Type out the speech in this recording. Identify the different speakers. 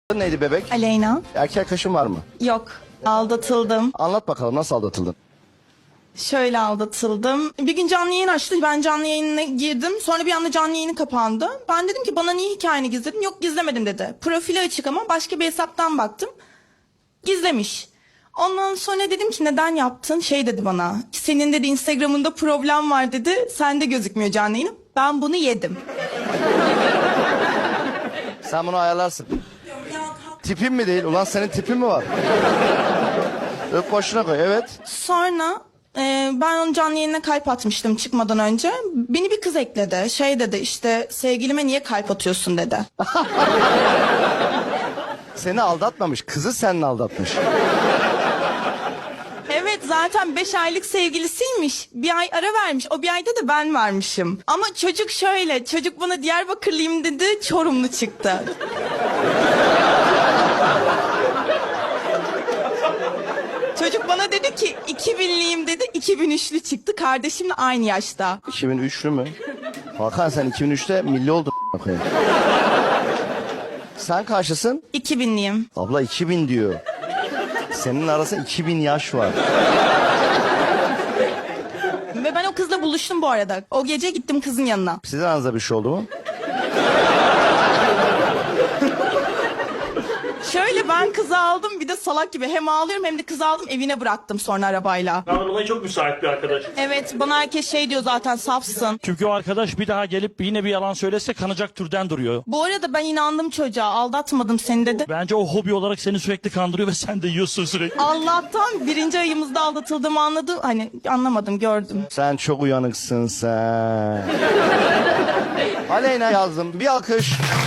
Speaker 1: Neydi bebek?
Speaker 2: Aleyna.
Speaker 1: Erkek arkadaşın var mı?
Speaker 2: Yok. Aldatıldım.
Speaker 1: Anlat bakalım, nasıl aldatıldın?
Speaker 2: Şöyle aldatıldım. Bir gün canlı yayın açtı. Ben canlı yayına girdim. Sonra bir anda canlı yayını kapandı. Ben dedim ki bana niye hikayeni gizledin? Yok, gizlemedim dedi. Profili açık ama başka bir hesaptan baktım. Gizlemiş. Ondan sonra dedim ki neden yaptın? Şey dedi bana. Senin dedi Instagram'ında problem var dedi. Sende gözükmüyor canlı yayın. Ben bunu yedim.
Speaker 1: Sen bunu ayarlarsın. Tipin mi değil? Ulan senin tipin mi var? Öp başına koy, evet.
Speaker 2: Sonra ben onun canlı yayınına kalp atmıştım çıkmadan önce. Beni bir kız ekledi. Şey dedi işte sevgilime niye kalp atıyorsun dedi.
Speaker 1: Seni aldatmamış, kızı seninle aldatmış.
Speaker 2: Evet, zaten 5 aylık sevgilisiymiş. Bir ay ara vermiş. O bir ayda da ben varmışım. Ama çocuk şöyle. Çocuk bana Diyarbakırlıyım dedi. Çorumlu çıktı. Çocuk bana dedi ki 2000'liyim dedi. 2003'lü çıktı. Kardeşimle aynı yaşta.
Speaker 1: 2003'lü mü? Hakan sen 2003'te milli oldun. a**ayım. Sen kaçlısın?
Speaker 2: 2000'liyim.
Speaker 1: Abla 2000 diyor. Senin arasında 2000 yaş var.
Speaker 2: Ve ben o kızla buluştum bu arada. O gece gittim kızın yanına.
Speaker 1: Sizin aranızda bir şey oldu mu?
Speaker 2: Şöyle ben kızı aldım, bir de salak gibi hem ağlıyorum hem de kızı aldım, evine bıraktım sonra arabayla.
Speaker 3: Anlamaya çok müsait bir arkadaş.
Speaker 2: Evet, bana herkes şey diyor zaten, safsın.
Speaker 3: Çünkü o arkadaş bir daha gelip yine bir yalan söylese kanacak türden duruyor.
Speaker 2: Bu arada ben inandım çocuğa, aldatmadım seni dedi.
Speaker 3: Bence o hobi olarak seni sürekli kandırıyor ve sen de yiyorsun sürekli.
Speaker 2: Allah'tan 1. ayımızda aldatıldığımı anladım. Hani anlamadım, gördüm.
Speaker 1: Sen çok uyanıksın sen. Aleyna yazdım. Bir alkış.